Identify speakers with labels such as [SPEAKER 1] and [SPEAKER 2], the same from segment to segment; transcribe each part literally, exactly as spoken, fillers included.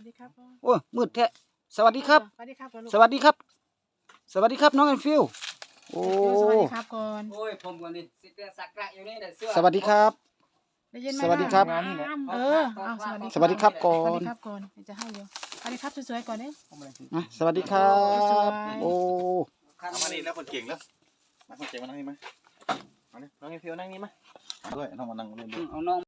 [SPEAKER 1] ดีครับ
[SPEAKER 2] โอ้มืดแท้สวัสดีครับ
[SPEAKER 1] สวัสดีครับ
[SPEAKER 2] สวัสดีครับสวัสดีครับน้องแอนฟิลโอ้
[SPEAKER 1] สวัสดีครับก่อน
[SPEAKER 3] โอ้ยผมก่อนดิสิเป็นสักกะอยู่นี่เด้อเสื้อ
[SPEAKER 2] สวัสดีครับ
[SPEAKER 1] ได้ยินไหม
[SPEAKER 2] สวัสดีครับ
[SPEAKER 1] เออเอาสวัสดี
[SPEAKER 2] สวัสดีครับก่อ
[SPEAKER 1] สวัส
[SPEAKER 2] น
[SPEAKER 1] ดีครับก่อนจะให้เร็วสวัสดีครับสวยๆก่อนเนี่ย
[SPEAKER 2] อ่ะสวัสดีครับ โอ้
[SPEAKER 4] เอามานี่แล้วคนเก่งแล้วมาคนเก่งมานั่งนี่มาเอาเนี่ยน้องไอฟิวนั่งนี่มาด้วยน้องมานั่งเล่นด้วย
[SPEAKER 3] เอาน้อง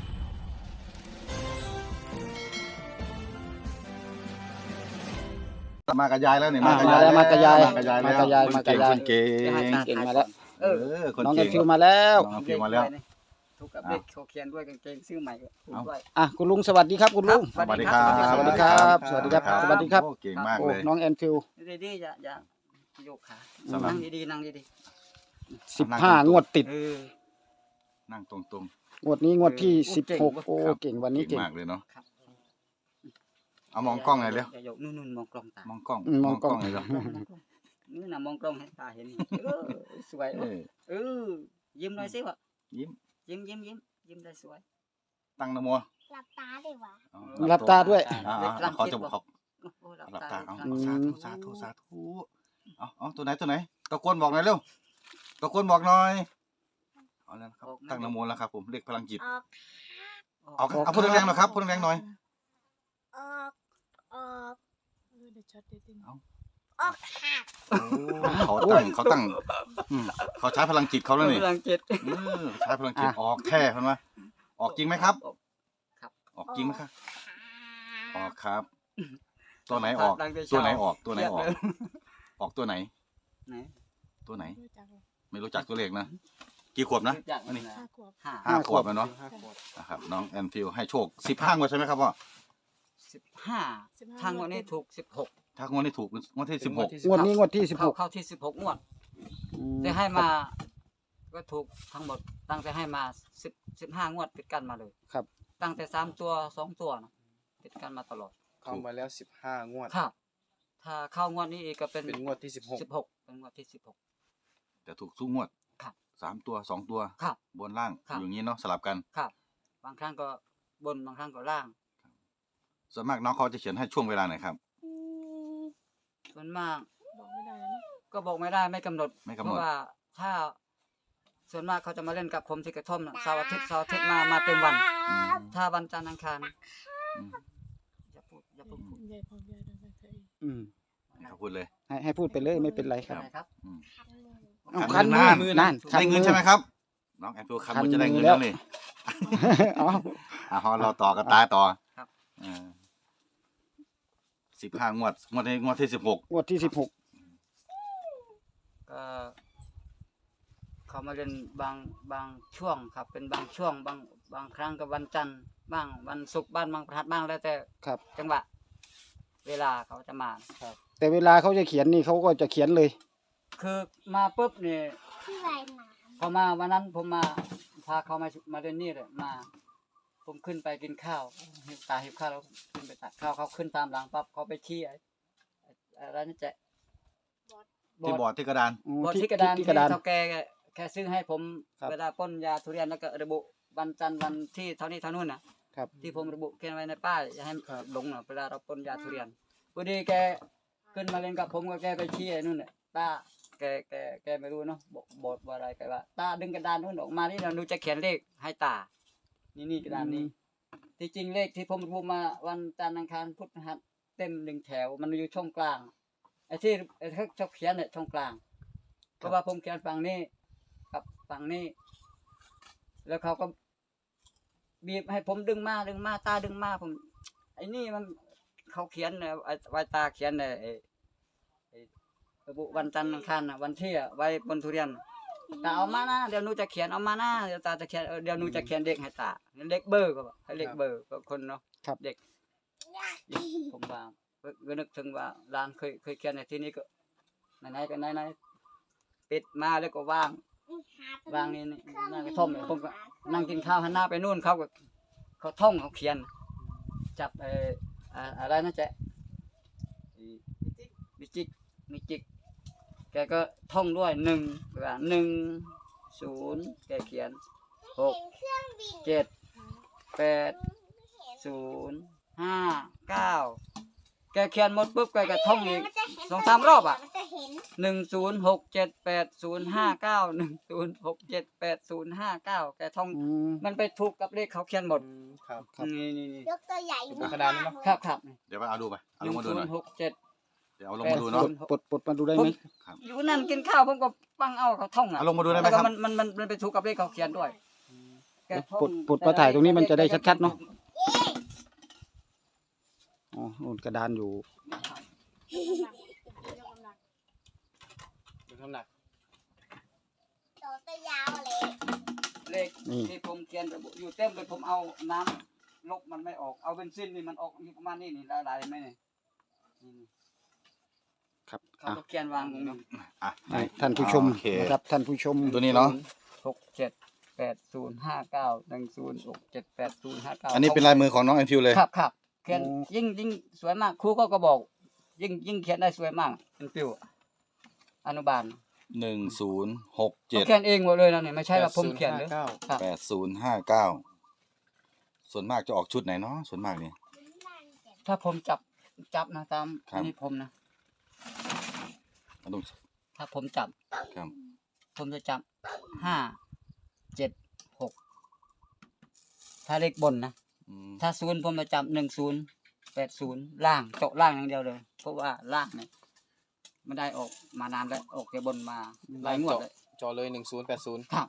[SPEAKER 4] มากับยายแล้วเนี่ย
[SPEAKER 2] อ่ะ
[SPEAKER 4] กับ
[SPEAKER 2] มาแล้วมากระยาย
[SPEAKER 4] มากระยาย
[SPEAKER 2] มา
[SPEAKER 4] แล้ว
[SPEAKER 2] กระยายมากระยาย
[SPEAKER 4] คนเก่ง
[SPEAKER 2] เก่งมาแล้ว
[SPEAKER 3] เอ
[SPEAKER 4] เอ
[SPEAKER 3] อ
[SPEAKER 4] อคน
[SPEAKER 2] น้องแอ
[SPEAKER 4] เก่
[SPEAKER 2] น
[SPEAKER 4] ง
[SPEAKER 2] ฟิลมาแล้ว
[SPEAKER 4] น้องฟิวมาแล้ว
[SPEAKER 3] ถูกกับเด็กเขาเขียนด้วยกางเกงซื้อใหม่ถูกด้วย
[SPEAKER 2] อ่ะคุณลุงสวัสดีครับคุณลุง
[SPEAKER 3] ครับ
[SPEAKER 4] สวัสดีครับ
[SPEAKER 2] สวัสดีครับสวัสดีครับสวัสดีครับ
[SPEAKER 4] โอ้เก่งมาก
[SPEAKER 2] โอ้
[SPEAKER 4] เลย
[SPEAKER 2] น้องแอนฟิล
[SPEAKER 3] ดีๆอย่าอย่าโยกขา
[SPEAKER 4] สำหรับ
[SPEAKER 3] นั่งดีๆนั่งดี
[SPEAKER 2] สิบห้างวดติด
[SPEAKER 3] ๆเออ
[SPEAKER 4] นั่งตรง
[SPEAKER 2] งวดนี้งวดที่
[SPEAKER 3] เออ
[SPEAKER 2] สิบหก
[SPEAKER 3] เก่ง
[SPEAKER 2] โอ้เก่งวัน
[SPEAKER 4] ๆ
[SPEAKER 2] นี้
[SPEAKER 4] เก่ง
[SPEAKER 2] เก่ง
[SPEAKER 4] มากเลยเนาะ
[SPEAKER 3] ครับ
[SPEAKER 4] เอามองกล้องหน่อยเร็ว
[SPEAKER 3] อย่าโยกนู่นๆมองกล้องตาม
[SPEAKER 4] องกล้อง
[SPEAKER 2] อืมมองกล้อง
[SPEAKER 4] เลยเร็ว
[SPEAKER 3] นี่น่ะมองกล้องให้ตาเห็นเออสวย
[SPEAKER 4] เออ
[SPEAKER 3] เออยิ้มหน่อยสิวะ
[SPEAKER 4] ยิ้ม
[SPEAKER 3] ยิ้มยิ้มยิ้มยิ้มได้สวย
[SPEAKER 4] ตั้งนะโม
[SPEAKER 5] หลับตาได้วะ
[SPEAKER 4] อ๋อ
[SPEAKER 2] หลับตาด้วย
[SPEAKER 4] อ่า
[SPEAKER 3] เด็ก
[SPEAKER 4] ๆ
[SPEAKER 3] กลาง
[SPEAKER 4] ขอ
[SPEAKER 3] เจ็
[SPEAKER 4] จะ
[SPEAKER 3] บ
[SPEAKER 4] ขอ
[SPEAKER 3] โอ้หลับ
[SPEAKER 4] หลับ
[SPEAKER 3] ตา
[SPEAKER 4] ตาเอา
[SPEAKER 3] กลาง
[SPEAKER 4] สาธุสาธุสาธุเอาเอาตัวไหนตัวไหนตะโกนบอกหน่อยเร็วตะโกนบอกหน่อยเอาแล้วนะครับตั้งนะโมแล้วครับผมเรียกพลังจิต
[SPEAKER 5] ออก
[SPEAKER 4] เอาเอาพูดแรงๆหน่อยครับพูดแรงๆหน่อย
[SPEAKER 5] ออกออก
[SPEAKER 1] เออเดี๋ยวช็อตเดี๋ยวติง
[SPEAKER 5] ออกหัก
[SPEAKER 4] เขาตั้งเขาตั้งอืมเขาใช้พลังจิตเขาแล้วนี่
[SPEAKER 3] กลางเจ็บ
[SPEAKER 4] เออใช้พลังจิตออกแท้เห็นไหมออกจริงไหมครับ
[SPEAKER 3] ครับ
[SPEAKER 4] ออกจริงไหมครับออกครับ ตัวไหนออก
[SPEAKER 3] ดังแต่
[SPEAKER 4] ตัว
[SPEAKER 3] เช้า
[SPEAKER 4] ไหนออกตัวไหนออก
[SPEAKER 3] เครียดเลย
[SPEAKER 4] ออกตัวไหน
[SPEAKER 3] ไหน
[SPEAKER 4] ตัวไหน
[SPEAKER 1] รู้จักเหรอ
[SPEAKER 4] ไม่รู้จักตัวเลขนะกี่ขวบนะ
[SPEAKER 3] รู้จัก
[SPEAKER 4] อันนี้
[SPEAKER 3] นะ
[SPEAKER 1] ห้าขวบ
[SPEAKER 3] ห้า
[SPEAKER 4] ห้าขวบแล้วเนาะนะครับน้องแอนฟิลให้โชคสิบห้างวดใช่ไหมครับพ่อ
[SPEAKER 3] สิบห้า
[SPEAKER 1] สิบห้
[SPEAKER 3] ทางวันนี้ถูกสิบหก
[SPEAKER 4] ถ้างวดนี้ถูกงวดที่สิบหก
[SPEAKER 2] งวดนี้งวดที่สิบห
[SPEAKER 3] เข้าก เข้าที่สิบหกงวด
[SPEAKER 2] อืม
[SPEAKER 3] ได้ให้มา ก็ถูกทั้งหมด ตั้งแต่ให้มาสิบสิบห้างวดติดกันมาเลย
[SPEAKER 2] ครับ
[SPEAKER 3] ตั้งแต่สามตัวสองตัวนะติดกันมาตลอด
[SPEAKER 6] เข้ามาแล้วสิบห้างวด
[SPEAKER 3] ครับ ถ้าเข้างวดนี้อีกก็เป็น
[SPEAKER 6] เป็นงวดที่สิบหก
[SPEAKER 3] สิบหกเป็นงวดที่สิบหก
[SPEAKER 4] แต่ถูกสู้งวด
[SPEAKER 3] ครับ
[SPEAKER 4] สามตัวสองตัว
[SPEAKER 3] ครับ
[SPEAKER 4] บนล่าง
[SPEAKER 3] ครับ
[SPEAKER 4] อยู่อย่างนี้เนาะสลับกัน
[SPEAKER 3] ครับ บางครั้งก็บนบางครั้งก็ล่าง
[SPEAKER 4] ส่วนมากน้องเขาจะเขียนให้ช่วงเวลาไหนครับ
[SPEAKER 5] อืม
[SPEAKER 3] ส่วนมาก
[SPEAKER 1] บอกไม่ได้เลยนะ
[SPEAKER 3] ก็บอกไม่ได้ไม่กำหนด
[SPEAKER 4] ไม่กำหนด
[SPEAKER 3] เพราะว่าถ้า ส่วนมากเขาจะมาเล่นกับผมที่กระท่อมน่ะเสาร์อาทิตย์เสาร์อาทิตย์มามาเต็มวัน
[SPEAKER 4] อืม
[SPEAKER 3] ถ้าวันจันทร์อังคาร
[SPEAKER 4] อืม
[SPEAKER 3] อย่าพูดอย่าพูด
[SPEAKER 1] ยายพร้อมยายด้วยกันเถอะ
[SPEAKER 2] อืม
[SPEAKER 4] ให้เขาพูดเลย
[SPEAKER 2] ให้ให้พูดไปเลยไม่เป็นไรครับ
[SPEAKER 3] อะไรครับ
[SPEAKER 4] อืม
[SPEAKER 2] เอา
[SPEAKER 4] คั
[SPEAKER 2] คัน
[SPEAKER 4] น
[SPEAKER 2] มื
[SPEAKER 4] มื
[SPEAKER 2] อ
[SPEAKER 4] อ
[SPEAKER 2] นั่นคัน
[SPEAKER 4] ได้เงิ
[SPEAKER 2] มื
[SPEAKER 4] น
[SPEAKER 2] อ
[SPEAKER 4] ใช่ไหมครับ น้องแอนฟิลคัน
[SPEAKER 2] คัน
[SPEAKER 4] มือจะได้เงิน
[SPEAKER 2] มือแล้
[SPEAKER 4] แล้ว วนี่
[SPEAKER 2] อ๋อ
[SPEAKER 4] อ่ะพอเราต่อกันตายต่อ
[SPEAKER 3] ครับ
[SPEAKER 4] สิบห้างวดงวดนี้งวดที่สิบหก
[SPEAKER 2] งวดที่สิบหก
[SPEAKER 3] ก็เขามาเล่นบางบางช่วงครับ เป็นบางช่วงบางบางครั้งก็วันจันทร์บ้างวันศุกร์บ้างบางพฤหัสบ้างแล้วแต่
[SPEAKER 2] ครับ
[SPEAKER 3] จังหวะ เวลาเขาจะมา
[SPEAKER 2] แต่เวลาเขาจะเขียนนี่เขาก็จะเขียนเลย
[SPEAKER 3] คือมาปุ๊บเนี่ย
[SPEAKER 5] ที่ไรหนา
[SPEAKER 3] พอมาวันนั้นผมมาพาเขามามาเล่นนี่เลยมา ผมขึ้นไปกินข้าวหิวตาหิวข้าวแล้วขึ้นไปตักข้าวเขาขึ้นตามหลังปั๊บเขาไปขี้ไอ้ไอ้อะไรนั่นจะ
[SPEAKER 4] ที่บอร์ดที่กระดาน
[SPEAKER 2] อืม
[SPEAKER 3] บอร์ดที่กระดาน
[SPEAKER 2] ที่
[SPEAKER 3] ที่
[SPEAKER 2] กระดาน
[SPEAKER 3] เท่าแกแค่ซื้อให้ผม
[SPEAKER 2] ครับ
[SPEAKER 3] เวลาป้นยาทุเรียนแล้วก็ระบุวันจันทร์วันที่เท่านี้เท่านู้นนะครับ ที่ผมระบุเขียนไว้ในป้ายอย่าให้หลงนะเวลาเราป้นยาทุเรียนพอดีแกขึ้นมาเล่นกับผมก็แกไปชี้ไอ้นู่นเนี่ยตาแกแกแกไม่รู้เนาะบอกบทว่าอะไรแกว่าตาดึงกระดานนู่นออกมานี่เราดูจะเขียนเลขให้ตา นี่นี่กระดานนี้ ที่จริงเลขที่ผมระบุมาวันจันทร์อังคารพุธพฤหัสเต็มหนึ่งแถวมันอยู่ช่องกลางไอ้ที่ไอ้ที่เขาเขียนเนี่ยช่องกลางเพราะว่าผมเขียนฝั่งนี้กับฝั่งนี้ แล้วเขาก็บีบให้ผมดึงมาดึงมาตาดึงมาผมไอ้นี่มันเขาเขียนเนี่ยไอ้ไว้ตาเขียนเนี่ยไอ้ไอ้ระบุวันจันทร์อังคารน่ะวันที่อะไว้บนทุเรียนตาเอามานะเดี๋ยวหนูจะเขียนเอามานะเดี๋ยวตาจะเขียนเออเดี๋ยวหนูจะเขียนเลขให้ตาเลขเบอร์ก็บอกให้เลขเบอร์ก็คนเนาะ
[SPEAKER 2] ครับ
[SPEAKER 3] เด็กผมว่าก็นึกถึงว่าร้านเคยเคยเขียนในที่นี้ก็ไหนๆก็ไหนๆปิดมาแล้วก็วาง วางนี่นี่นั่งกระท่อมเนี่ยผมก็นั่งกินข้าวหันหน้าไปนู่นเขาก็เขาท่องเขาเขียน จับเอออ่าอะไรนะเจ๊มิจิกมิจิกแกก็ท่องด้วยหนึ่งว่าหนึ่งศูนย์แกเขียนหกเจ็ดแปดศูนย์ห้าเก้าแกเขียนหมดปุ๊บแกก็ท่องอีกสองสามรอบอ่ะ
[SPEAKER 5] มันจะเห็น
[SPEAKER 3] หนึ่งศูนย์หกเจ็ดแปดศูนย์ห้าเก้าหนึ่งศูนย์หกเจ็ดแปดศูนย์ห้าเก้าแกท่อง
[SPEAKER 2] อืม
[SPEAKER 3] มันไปถูกกับเลขเขาเขียนหมด
[SPEAKER 6] อืมครับ
[SPEAKER 2] ครับ
[SPEAKER 3] นี่นี่นี่
[SPEAKER 5] ยกตัวใหญ่
[SPEAKER 6] เป็นกระดานเนอะ
[SPEAKER 3] ครับครับ
[SPEAKER 4] เดี๋ยวไปเอาดูไป
[SPEAKER 3] ห
[SPEAKER 4] เอาล
[SPEAKER 3] นึ่
[SPEAKER 4] ง
[SPEAKER 3] ง
[SPEAKER 4] มาดู
[SPEAKER 3] ศู
[SPEAKER 4] ห
[SPEAKER 3] น
[SPEAKER 4] น่อย
[SPEAKER 3] ย์หกเจ็ด
[SPEAKER 4] เดี๋ยวเอาลงมาดูเนาะ
[SPEAKER 2] ปลดปลดมาดูได้ไหม
[SPEAKER 3] อยู่นั่นกินข้าวผมก็ฟังเอาเขาท่องอ่ะ
[SPEAKER 4] เอาลงมาดูได้ไหม
[SPEAKER 3] แล้ว
[SPEAKER 4] ค
[SPEAKER 3] ก็
[SPEAKER 4] รับ
[SPEAKER 3] มันมันมันมันไปถูกกับเลขเขาเขียนด้วยแกท่อง
[SPEAKER 2] ปลดปลดมาถ่ายตรงนี้มันจะได้ชัดๆเนาะ อ๋อนู่นกระดานอยู่
[SPEAKER 6] ดูน้ำหนัก
[SPEAKER 5] ตัวตัวยาวเลย
[SPEAKER 3] เลข
[SPEAKER 2] นี่
[SPEAKER 3] ที่ผมเขียนระบุอยู่เต็มเลยผมเอาน้ำลบมันไม่ออกเอาเบนซินนี่มันออกอยู่ประมาณนี้นี่หลายๆไหมนี่นี่
[SPEAKER 2] ครับ
[SPEAKER 3] เขา
[SPEAKER 2] อ่ะ
[SPEAKER 3] ก็เขียนวางตรงนี้
[SPEAKER 4] อ่ะ
[SPEAKER 2] ให้ท่านผู้ชม
[SPEAKER 4] โอเค
[SPEAKER 2] นะครับท่านผู้ชม
[SPEAKER 4] ตัวนี้เนาะ
[SPEAKER 3] หกเจ็ดแปดศูนย์ห้าเก้าหนึ่งศูนย์หกเจ็ดแปดศูนย์ห้าเก้า
[SPEAKER 4] อันนี้เป็นลายมือของน้องแอนฟิวเลย
[SPEAKER 3] ครับครับเขียนยิ่งยิ่งสวยมากครูก็ก็บอก ยิ่งยิ่งเขียนได้สวยมากเป็นปิวอนุบาล
[SPEAKER 4] หนึ่งศูนย์หกเจ็
[SPEAKER 3] เขา
[SPEAKER 4] ด
[SPEAKER 3] เขียนเองหมดเลยนะเนี่ยไม่ใช่ว่าผมเขียนเลย
[SPEAKER 6] เก้า
[SPEAKER 3] ครับ
[SPEAKER 4] แปดศูนย์ห้าเก้าส่วนมากจะออกชุดไหนเนาะส่วนมากนี่
[SPEAKER 3] ถ้าผมจับจับนะตาม
[SPEAKER 4] ครับ
[SPEAKER 3] อันนี้ผมนะ
[SPEAKER 4] อันนู้น
[SPEAKER 3] ถ้าผมจับ
[SPEAKER 4] ครับ
[SPEAKER 3] ผมจะจับห้าเจ็ดหกถ้าเลขบนนะ
[SPEAKER 4] อืม
[SPEAKER 3] ถ้าศูนย์ผมจะจับหนึ่งศูนย์แปดศูนย์ล่างเจาะล่างอย่างเดียวเลย เพราะว่าล่างเนี่ยไม่ได้ออกมานานแล้วออกแต่บนมาหลายงวดเลย
[SPEAKER 6] จอเลยหนึ่งศูนย์แปดศูนย์
[SPEAKER 3] ครับ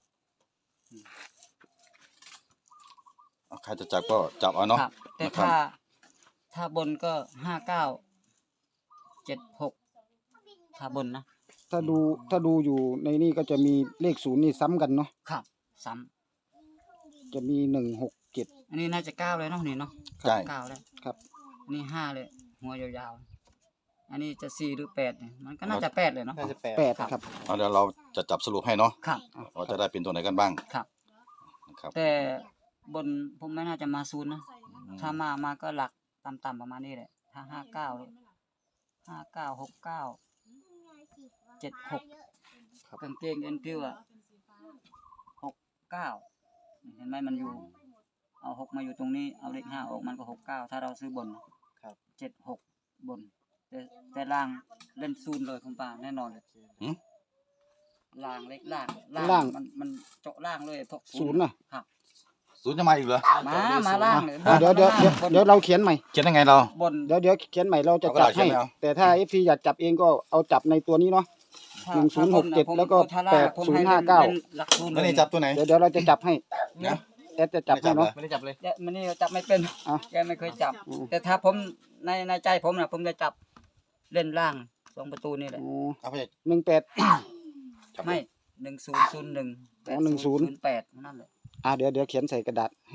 [SPEAKER 4] เอาใครจะจับก็จับเอาเนาะ
[SPEAKER 3] ครับ แต่
[SPEAKER 4] นะครับ
[SPEAKER 3] ถ้าถ้าบนก็ห้าเก้าเจ็ดหกถ้าบนนะ
[SPEAKER 2] ถ้าดูถ้าดูอยู่ในนี่ก็จะมีเลขศูนย์นี่ซ้ำกันเนาะ
[SPEAKER 3] ครับซ้
[SPEAKER 2] จะมีหนึ่งหกเจ็ด
[SPEAKER 3] ำอันนี้น่าจะเก้าเลยเนาะนี่เนาะ
[SPEAKER 4] ใช่
[SPEAKER 3] เก้าแล้ว
[SPEAKER 2] ครับ
[SPEAKER 3] อันนี้ห้าเลย หัวยาวๆอันนี้จะสี่หรือแปดเนี่ยมันก็น่าจะแปดเลยเนาะ
[SPEAKER 6] น่าจะแปด
[SPEAKER 2] แปด
[SPEAKER 3] ครับ
[SPEAKER 2] ครับ
[SPEAKER 4] เอาเดี๋ยวเราจะจับสรุปให้เนาะ
[SPEAKER 3] ครับ
[SPEAKER 4] ว่าจะได้เป็นตัวไหนกันบ้าง
[SPEAKER 3] ครับ
[SPEAKER 4] นะครับ
[SPEAKER 3] แต่บนผมไม่น่าจะมาศูนย์นะถ้ามามาก็หลักต่ำๆประมาณนี้แหละถ้าห้าเก้าห้าเก้าหกเก้าเจ็ดหกกางเกงเอ็นพิวอะหกเก้าเห็นไหมมันอยู่ เอาหกมาอยู่ตรงนี้เอาเลขห้าออกมันก็หกเก้าถ้าเราซื้อบนนะครับ เจ็ดหกบน แต่แต่ล่างเล่นศูนย์เลยคุณป้าแน่นอนเลย
[SPEAKER 4] หืม
[SPEAKER 3] ล่างเล็กล่าง
[SPEAKER 2] ล่าง
[SPEAKER 3] มันมันเจาะล่างเลยพวก
[SPEAKER 2] ศูนย์น่ะ
[SPEAKER 3] ครับ
[SPEAKER 4] ศูนย์จะมาอีกเหรอ
[SPEAKER 3] มามาล่างเลย
[SPEAKER 2] อ่ะเดี๋ยวเดี๋ยวเดี๋ยวเดี๋ยวเราเขียนใหม่
[SPEAKER 4] เขียนยังไงเรา
[SPEAKER 3] บน
[SPEAKER 2] เดี๋ยวเดี๋ยวเขียนใหม่เราจะ
[SPEAKER 4] เอากระ
[SPEAKER 2] จั
[SPEAKER 4] ดา
[SPEAKER 2] บ
[SPEAKER 4] ษเขีย
[SPEAKER 2] ให้
[SPEAKER 4] นไม่เอา
[SPEAKER 2] แต่ถ้าเอฟซีอยากจับเองก็เอาจับในตัวนี้เนาะ
[SPEAKER 3] ถ้า
[SPEAKER 2] หนึ่งศูนย์หกเจ็ด
[SPEAKER 3] ถ้าบนน่ะผม
[SPEAKER 2] แล้วก็
[SPEAKER 3] ถ้าล่าง
[SPEAKER 2] แปด
[SPEAKER 3] ผม
[SPEAKER 2] ศูนย์
[SPEAKER 3] ให้
[SPEAKER 2] ห้าเก้า
[SPEAKER 3] ล่นหลักศูนย์
[SPEAKER 4] แล้ว
[SPEAKER 3] เลย
[SPEAKER 4] นี่จับตัวไหน
[SPEAKER 2] เดี๋ยวเดี๋ยวเราจะจับให้
[SPEAKER 4] นะ
[SPEAKER 2] แอดจะจับให้เนาะ
[SPEAKER 6] ไม่ได้จับเลย
[SPEAKER 3] เดี๋ยวมันนี่จับไม่เป็น
[SPEAKER 2] อ่ะ
[SPEAKER 3] แกไม่เคยจับ
[SPEAKER 2] อืม
[SPEAKER 3] แต่ถ้าผมในในใจผมนะผมจะจับเล่นล่างสองประตูนี่แหละ
[SPEAKER 2] อ๋อ
[SPEAKER 4] เอาไป
[SPEAKER 2] หนึ่งแปด
[SPEAKER 4] จับ
[SPEAKER 3] ไม่หนึ่งศูนย์ศูนย์หนึ่ง
[SPEAKER 2] อ๋อหนึ่งศูนย์
[SPEAKER 3] แปดนั่นแหละ
[SPEAKER 2] อ่ะเดี๋ยวเดี๋ยวเขียนใส่กระดาษให้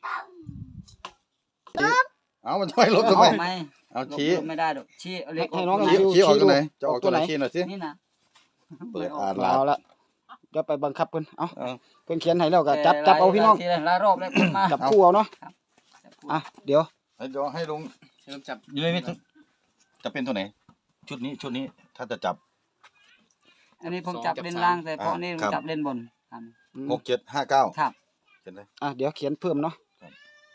[SPEAKER 4] เอามันช่วยลบทำไม
[SPEAKER 3] ไม่
[SPEAKER 4] เอาชี้
[SPEAKER 3] ลบไม่ได้ดอกชี้เอาเล็ก
[SPEAKER 2] ให้น้อง
[SPEAKER 3] ก
[SPEAKER 2] ให้
[SPEAKER 3] มา
[SPEAKER 2] ดู
[SPEAKER 4] ชี้ออกตัวไหนจะออกตัวไหนชี้หน่อยสิ
[SPEAKER 3] นี่นะ
[SPEAKER 4] เปิด
[SPEAKER 3] ไม่อ
[SPEAKER 4] อ่า
[SPEAKER 3] อน ก
[SPEAKER 4] ลา
[SPEAKER 2] เอาละเดี๋ยวไปบังคับเพิ่นเอา
[SPEAKER 4] เอา
[SPEAKER 2] เพิ่นเขียนให้แล้วก็จับจับเอาพี่น้อง
[SPEAKER 3] หลายหลายรอบแล้วผมมา
[SPEAKER 2] จับคู่เอาเนาะ
[SPEAKER 3] จับคู่
[SPEAKER 2] อ่ะเดี๋ยว
[SPEAKER 4] ให้เดี๋ยวให้ลุง
[SPEAKER 6] เริ่มจับ
[SPEAKER 4] อยู่ในนี้จะเป็นตัวไหน ชุดนี้ชุดนี้ถ้าจะจับ
[SPEAKER 3] อันนี้ผมจับเล่นล่างแต่พอนี่ผม
[SPEAKER 4] ครับ
[SPEAKER 3] จับเล่นบนครับ
[SPEAKER 2] อืม
[SPEAKER 4] หกเจ็ดห้าเก้า
[SPEAKER 3] ครับ
[SPEAKER 4] เขียนเลย
[SPEAKER 2] อ่ะเดี๋ยวเขียนเพิ่มเนาะ
[SPEAKER 4] ครับ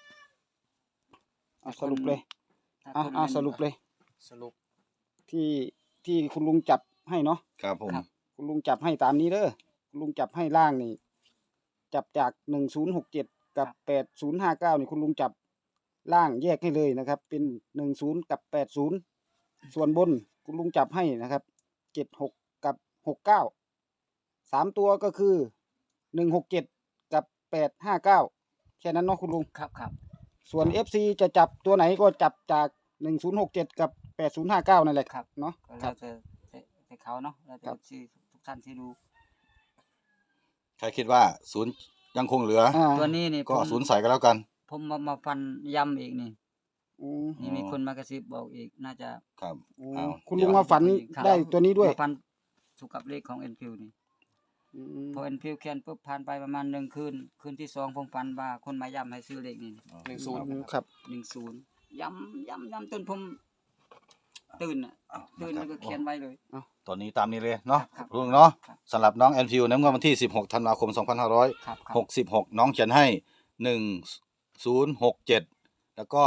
[SPEAKER 2] อ่ะสรุปเลย
[SPEAKER 3] ถ้า
[SPEAKER 2] อ่ะ
[SPEAKER 3] คน
[SPEAKER 2] อ่ะ
[SPEAKER 3] ล่น
[SPEAKER 2] สรุปเลย
[SPEAKER 6] สรุป
[SPEAKER 2] ที่ที่คุณลุงจับให้เนาะ
[SPEAKER 4] ครับผม
[SPEAKER 2] คุณลุงจับให้ตามนี้เด้อคุณลุงจับให้ล่างนี่ จับจากหนึ่งศูนย์หกเจ็ดกับแปดศูนย์ห้าเก้านี่คุณลุงจับล่างแยกให้เลยนะครับ เป็นหนึ่งศูนย์กับแปดศูนย์ส่วนบนคุณลุงจับให้นะครับเจ็ดหกกับหกเก้าสามตัวก็คือหนึ่งหกเจ็ดกับแปดห้าเก้าแค่นั้นเนาะคุณลุง
[SPEAKER 3] ครับครับ
[SPEAKER 2] ส่วน เอฟ ซี จะจับตัวไหนก็จับจากหนึ่งศูนย์หกเจ็ดกับแปดศูนย์ห้าเก้านั่นแหละ
[SPEAKER 3] ครับ
[SPEAKER 2] เนาะ
[SPEAKER 3] ก็
[SPEAKER 2] ครั
[SPEAKER 3] เรา
[SPEAKER 2] บ
[SPEAKER 3] จะแต่เขาเนาะเราจะ
[SPEAKER 2] ครับ
[SPEAKER 3] ที่ทุกท่านที่ดู
[SPEAKER 4] ใครคิดว่าศูนย์ยังคงเหลือ
[SPEAKER 2] อ่า
[SPEAKER 3] ตัวนี้นี่
[SPEAKER 4] ก็
[SPEAKER 3] ผม
[SPEAKER 4] ศูนย์ใส่กันแล้วกัน
[SPEAKER 3] ผมมามาฟันย้ำอีกนี่
[SPEAKER 2] อืม
[SPEAKER 3] นี่มีคนมากระซิบบอกอีกน่าจะ
[SPEAKER 4] ครับ
[SPEAKER 2] อืม
[SPEAKER 4] เอา
[SPEAKER 2] คุณลุงมาฝัน
[SPEAKER 3] ครับ
[SPEAKER 2] ได้ตัวนี้ด้วย
[SPEAKER 3] มาฟันถูกกับเลขของเอ็นพิวนี่
[SPEAKER 2] อืม
[SPEAKER 3] พอเอ็นพิวเขียนปุ๊บผ่านไปประมาณหนึ่งคืนคืนที่สองผมฝันว่าคนมาย้ำให้ซื้อเลขนี่
[SPEAKER 6] หนึ่งศูนย์
[SPEAKER 2] ครับ
[SPEAKER 3] หนึ่งศูนย์ย้ำย้ำย้ำจนผมตื่นอ่ะ
[SPEAKER 4] เอา
[SPEAKER 3] ตื่น
[SPEAKER 4] นะค
[SPEAKER 3] แล้
[SPEAKER 4] รั
[SPEAKER 3] ว
[SPEAKER 4] บ
[SPEAKER 3] ก็เขียนไว้เลย
[SPEAKER 4] ตอนนี้ตามนี้เลยเนาะ
[SPEAKER 3] ครับ
[SPEAKER 4] ลุงเนาะ
[SPEAKER 3] ครับ
[SPEAKER 4] สำหรับน้องแอนฟิวในงวดวันที่สิบหกธันวาคมสองพันห้าร้อย
[SPEAKER 3] ครับครับ
[SPEAKER 4] หกสิบหกน้องเขียนให้หนึ่งศูนย์หกเจ็ดแล้วก็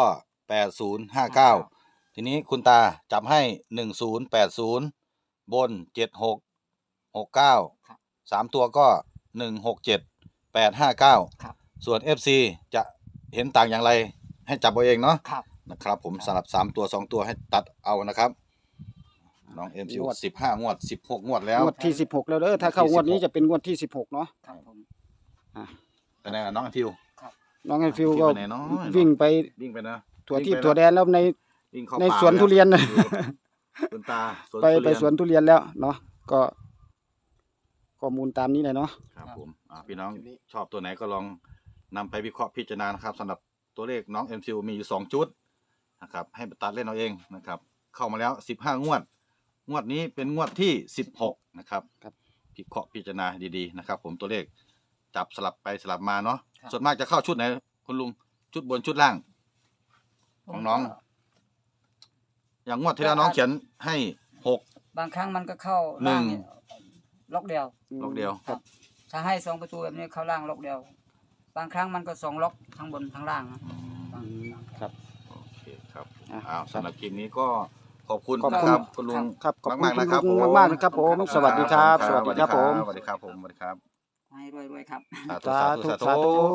[SPEAKER 4] แปดศูนย์ห้าเก้าทีนี้คุณตาจับให้หนึ่งศูนย์แปดศูนย์บนเจ็ดหกหกเก้าสามตัวก็หนึ่งหกเจ็ดแปดห้าเก้า
[SPEAKER 3] ครับ
[SPEAKER 4] ส่วน เอฟ ซี จะเห็นต่างอย่างไรให้จับเอาเองเนาะ
[SPEAKER 3] ครับ
[SPEAKER 4] นะครับผมสลับสามตัวสองตัวให้ตัดเอานะครับน้องเอ็มซีสิบห้างวดสิบหกงวดแล้ว
[SPEAKER 2] งวดที่สิบหกแล้วเด้อถ้าเข้างวดนี้จะเป็นงวดที่สิบหกเนาะ
[SPEAKER 3] ครับผม
[SPEAKER 4] เป็นไงล่ะน้องทิว
[SPEAKER 2] น้องไอฟิวก็
[SPEAKER 4] ไปไหนเนาะ
[SPEAKER 2] วิ่งไป
[SPEAKER 4] วิ่งไปนะ
[SPEAKER 2] ถั่ว
[SPEAKER 4] วิ่ง
[SPEAKER 2] ที่
[SPEAKER 4] ไป
[SPEAKER 2] ถั่วแดนแล้วใน
[SPEAKER 4] วิ่งเข้า
[SPEAKER 2] ใน
[SPEAKER 4] ป่า
[SPEAKER 2] สวนทุเรียน
[SPEAKER 4] เล
[SPEAKER 2] น่ะ
[SPEAKER 4] อยู่คุณตาสวน
[SPEAKER 2] ไป
[SPEAKER 4] ทุ
[SPEAKER 2] ไป
[SPEAKER 4] เรียน
[SPEAKER 2] สวนทุเรียนแล้วเนาะก็ข้อมูลตามนี้เลยเนาะ
[SPEAKER 4] ครับผมอ่าพี่น้องชอบตัวไหนก็ลองนำไปวิเคราะห์พิจารณานะครับสำหรับตัวเลขน้องเอ็มซีมีอยู่สองชุดนะครับให้ตัดเล่นเอาเองนะครับเข้ามาแล้วสิบห้างวด งวดนี้เป็นงวดที่สิบหกนะครับ
[SPEAKER 2] ครับ
[SPEAKER 4] พิเคราะห์พิจารณาดีๆนะครับผมตัวเลขจับสลับไปสลับมาเนาะ
[SPEAKER 3] ครับ
[SPEAKER 4] ส่วนมากจะเข้าชุดไหนคุณลุงชุดบนชุดล่าง ของน้อง อย่างงวดที่แล้วน้องเขียนให้หก
[SPEAKER 3] บางครั้งมันก็เข้า
[SPEAKER 4] หนึ่
[SPEAKER 3] ล่าง
[SPEAKER 4] ง
[SPEAKER 3] เนี่ยล็อกเดียว
[SPEAKER 4] ล็อกเดียว
[SPEAKER 3] ครับ ถ้าให้สองประตูแบบนี้เข้าล่างล็อกเดียว บางครั้งมันก็สองล็อกทั้งบนทั้งล่างนะบาง
[SPEAKER 2] ครับ
[SPEAKER 4] โอเคครับ
[SPEAKER 2] อ่ะ
[SPEAKER 4] อ้าวสำหรับคลิปนี้ก็ขอบคุณ
[SPEAKER 2] ขอบ
[SPEAKER 4] นะ
[SPEAKER 2] คุณ
[SPEAKER 4] ครับคุณลุง
[SPEAKER 2] ครับขอบคุณ
[SPEAKER 4] มากๆ
[SPEAKER 2] คุณ
[SPEAKER 4] นะครับ
[SPEAKER 2] ลุง
[SPEAKER 4] ผม
[SPEAKER 2] มากๆนะครับผม สวัสดีครับ สวัสดีครับผม
[SPEAKER 4] สวัสดีครับผมสวัสดีครับ
[SPEAKER 3] ให้รวยๆครับ
[SPEAKER 4] สาธุสาธุ
[SPEAKER 2] สาธุ
[SPEAKER 4] สา
[SPEAKER 2] สาธุ
[SPEAKER 4] ธุ